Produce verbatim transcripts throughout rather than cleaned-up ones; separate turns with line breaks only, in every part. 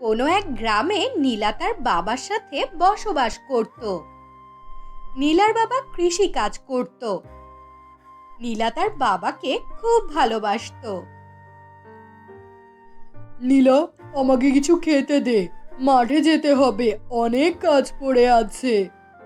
কোনো এক গ্রামে নীলা তার বাবার সাথে বসবাস করত। নীলার বাবা কৃষি কাজ করত। নীলা তার বাবাকে খুব ভালোবাসতো।
নীলা, আমাকে কিছু খেতে দে, মাঠে যেতে হবে, অনেক কাজ পড়ে আছে।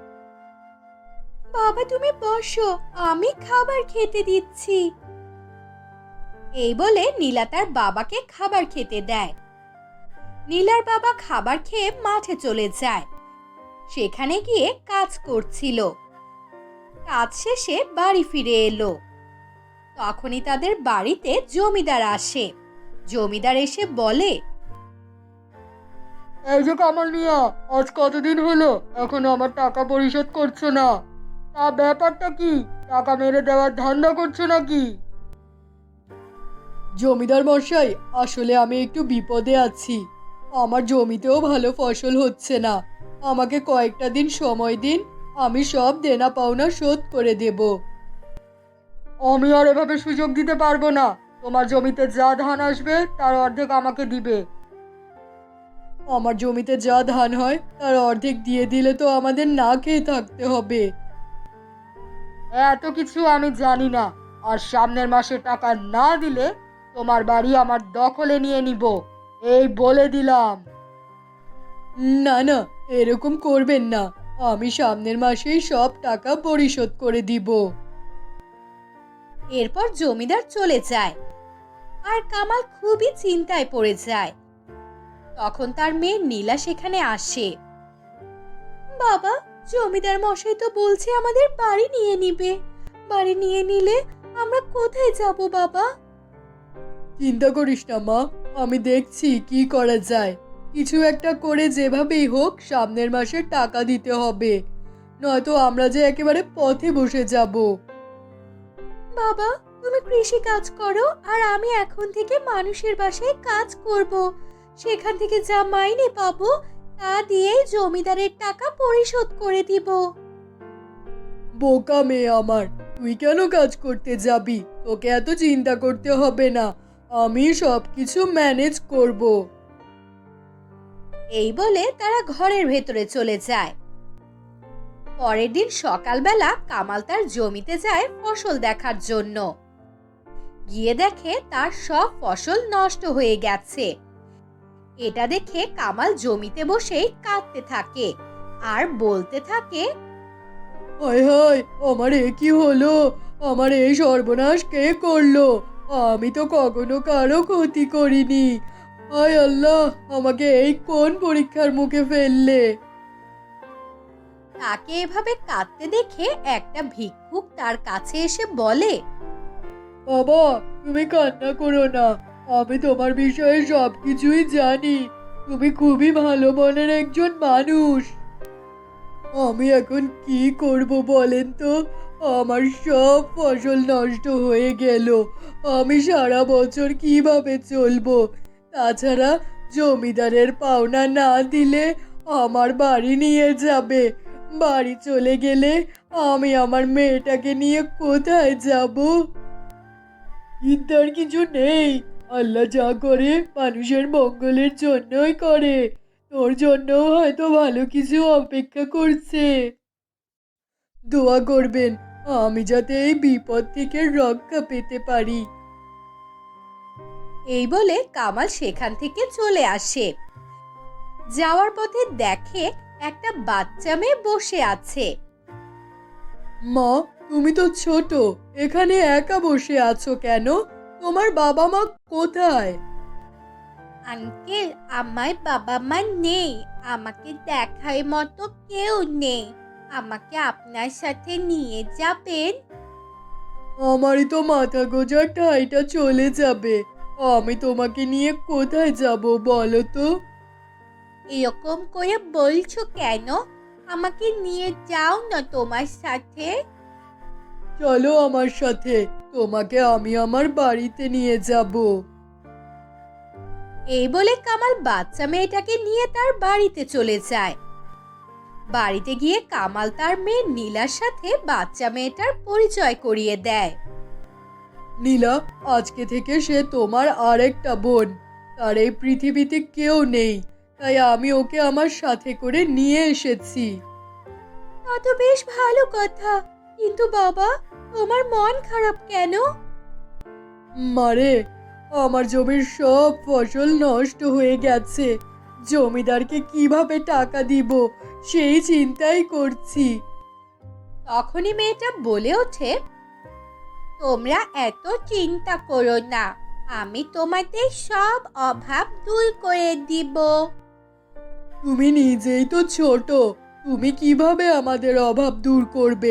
বাবা তুমি বসো, আমি খাবার খেতে দিচ্ছি। এই বলে নীলা তার বাবাকে খাবার খেতে দেয়। নীলার বাবা খাবার খেয়ে মাঠে চলে যায়। সেখানে গিয়ে কাজ করছিল। কাজ শেষে বাড়ি ফিরে এলো। তখনই তাদের বাড়িতে জমিদার আসে। জমিদার এসে বলে,
এই যে কামাল মিয়া, আজ কতদিন হলো এখনো আমার টাকা পরিশোধ করছো না? তা ব্যাপারটা কি? টাকা মেরে দেওয়ার ধান্দা করছো নাকি? জমিদার মশাই, আসলে আমি একটু বিপদে আছি। আমার জমিতেও ভালো ফসল হচ্ছে না। আমাকে কয়েকটা দিন সময় দিন, আমি সব দেনা পাওনা শোধ করে দেব। আমি আর এভাবে সুযোগ দিতে পারবো না। তোমার জমিতে যা ধান আসবে তার অর্ধেক আমাকে দিবে। আমার জমিতে যা ধান হয় তার অর্ধেক দিয়ে দিলে তো আমাদের না খেয়ে থাকতে হবে। এত কিছু আমি জানি না। আর সামনের মাসে টাকা না দিলে তোমার বাড়ি আমার দখলে নিয়ে নিব, এই বলে দিলাম। না না, এরকম করবেন না। আমি সামনের মাসেই সব টাকা পরিশোধ করে দিব।
এরপর জমিদার চলে যায়। আর কামাল খুবই চিন্তায় পড়ে যায়। তখন তার মেয়ে নীলা সেখানে আসে। বাবা, জমিদার মশাই তো বলছে আমাদের বাড়ি নিয়ে নিবে। বাড়ি নিয়ে নিলে আমরা কোথায় যাব বাবা?
চিন্তা করিস না মা, আমি দেখছি কি করা যায়। কিছু একটা করে যেভাবেই হোক সামনের মাসে টাকা দিতে হবে, নয়তো আমরা যে একেবারে পথে বসে যাব।
বাবা, তুমি কৃষি কাজ করো আর আমি এখন থেকে মানুষের বাসায় কাজ করব। সেখান থেকে যা মাইনে পাবো তা দিয়ে জমিদারের টাকা পরিশোধ করে দিব।
বোকা মেয়ে আমার, তুই কেন কাজ করতে যাবি? তোকে এত চিন্তা করতে হবে না, আমি সব কিছু ম্যানেজ করব।
এই বলে তারা ঘরের ভেতরে চলে যায়। পরের দিন সকালবেলা কামাল তার জমিতে যায় ফসল দেখার জন্য। গিয়ে দেখে তার সব ফসল নষ্ট হয়ে গেছে। এটা দেখে কামাল জমিতে বসেই কাঁদতে থাকে আর বলতে থাকে,
হায় হায়, আমার এ কি হলো? আমার এই সর্বনাশ কে করলো? আমি তো কখনো কারো ক্ষতি করিনি। হায় আল্লাহ, আমাকে এই কোন পরীক্ষার মুখে ফেললে?
তাকে এভাবে কাঁদতে দেখে একটা ভিক্ষুক তার কাছে এসে বলে,
বাবা, তুমি কান্না করো না। আমি তোমার বিষয়ে সব কিছুই জানি। তুমি খুবই ভালো মনের একজন মানুষ। আমি এখন কি করব বলেন তো? আমার সব ফসল নষ্ট হয়ে গেল। আমি সারা বছর কিভাবে চলবো? তাছাড়া জমিদারের পাওনা না দিলে আমার বাড়ি নিয়ে যাবে। বাড়ি চলে গেলে আমি আমার মেয়েটাকে নিয়ে কোথায় যাব? চিন্তার কিছু নেই। আল্লাহ যা করে মানুষের মঙ্গলের জন্যই করে। তোর জন্যও হয়তো ভালো কিছু অপেক্ষা করছে। দোয়া করবেন আমি যাতে এই বিপদ থেকে রক্ষা পেতে পারি।
এই বলে কামাল সেখান থেকে চলে আসে। যাওয়ার পথে দেখে একটা বাচ্চা মেয়ে বসে আছে।
মা, তুমি তো ছোট, এখানে একা বসে আছো কেন? তোমার বাবা মা কোথায়?
আঙ্কেল, আমার বাবা মা নেই। আমাকে দেখার মতো কেউ নেই। আমাকে আপনার সাথে নিয়ে যাবেন?
আমারই তো মাথা গোঁজার ঠাইটা চলে যাবে। আমি তোমাকে নিয়ে কোথায় যাব বলো তো?
এরকম করে বলছো কেন? আমাকে নিয়ে যাও না তোমার সাথে।
চলো আমার সাথে, তোমাকে আমি আমার বাড়িতে নিয়ে যাব।
এই বলে কামাল বাচ্চা মেয়েটাকে নিয়ে তার বাড়িতে চলে যায়। বাড়িতে গিয়ে কামাল তার মেয়ে নীলার সাথে বাচ্চা মেয়েটার পরিচয় করিয়ে দেয়।
নীলা, আজকে থেকে সে তোমার আরেকটা বোন। তার এই পৃথিবীতে কেউ নেই। তাই আমি ওকে আমার সাথে করে নিয়ে এসেছি।
তা তো বেশ ভালো কথা, কিন্তু বাবা, তোমার মন খারাপ কেন?
মারে, আমার জমির সব ফসল নষ্ট হয়ে গেছে। জমিদারকে কিভাবে টাকা দিব সেই চিন্তাই করছি।
তখনই মেয়েটা বলে ওঠে, তোমরা এত চিন্তা করো না, আমি তোমাদের সব অভাব দূর করে দিব।
তুমি নিজেই তো ছোট, তুমি কিভাবে আমাদের অভাব দূর করবে?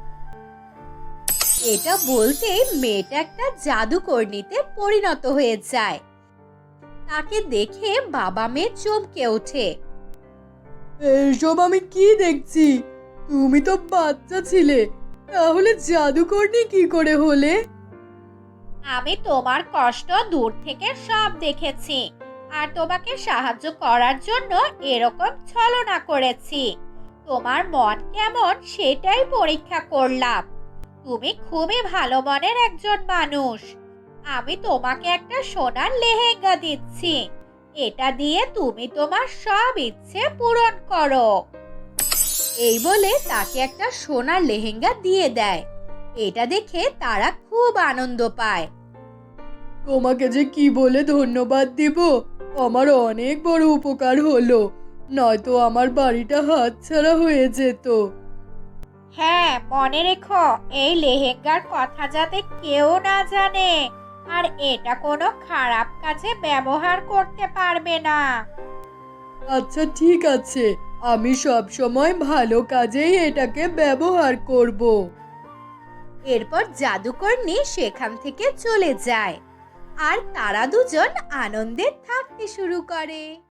এটা বলতে মেয়েটা একটা জাদুকরনীতে পরিণত হয়ে যায়। তাকে দেখে বাবা মেয়ে চমকে ওঠে।
এইসব আমি কি দেখছি? তুমি তো বাচ্চা ছিলে, তাহলে জাদুকরনি কি করে হলে?
আমি তোমার কষ্ট দূর থেকে সব দেখেছি, আর তোমাকে সাহায্য করার জন্য এরকম ছলনা করেছি। তোমার মন কেমন সেটাই পরীক্ষা করলাম। তুমি খুবই ভালো মনের একজন মানুষ। আমি তোমাকে একটা সোনার লেহেঙ্গা দিচ্ছি, এটা দিয়ে তুমি তোমার সব ইচ্ছে পূরণ করো। এই বলে তাকে একটা সোনার লেহেঙ্গা দিয়ে দেয়। এটা দেখে তারা খুব আনন্দ পায়।
তোমাকে যে কি বলে ধন্যবাদ দিব, আমার অনেক বড় উপকার হলো, নয়তো আমার বাড়িটা হাতছাড়া হয়ে যেত।
হ্যাঁ, মনে রেখো, এই লেহেঙ্গার কথা যাতে কেউ না জানে, আর এটা কোনো খারাপ কাজে ব্যবহার করতে পারবে না।
আচ্ছা ঠিক আছে, আমি সব সময় ভালো কাজেই এটাকে ব্যবহার করব।
এরপর জাদুকরনী সেখান থেকে চলে যায়, আর তারা দুজন আনন্দে থাকতে শুরু করে।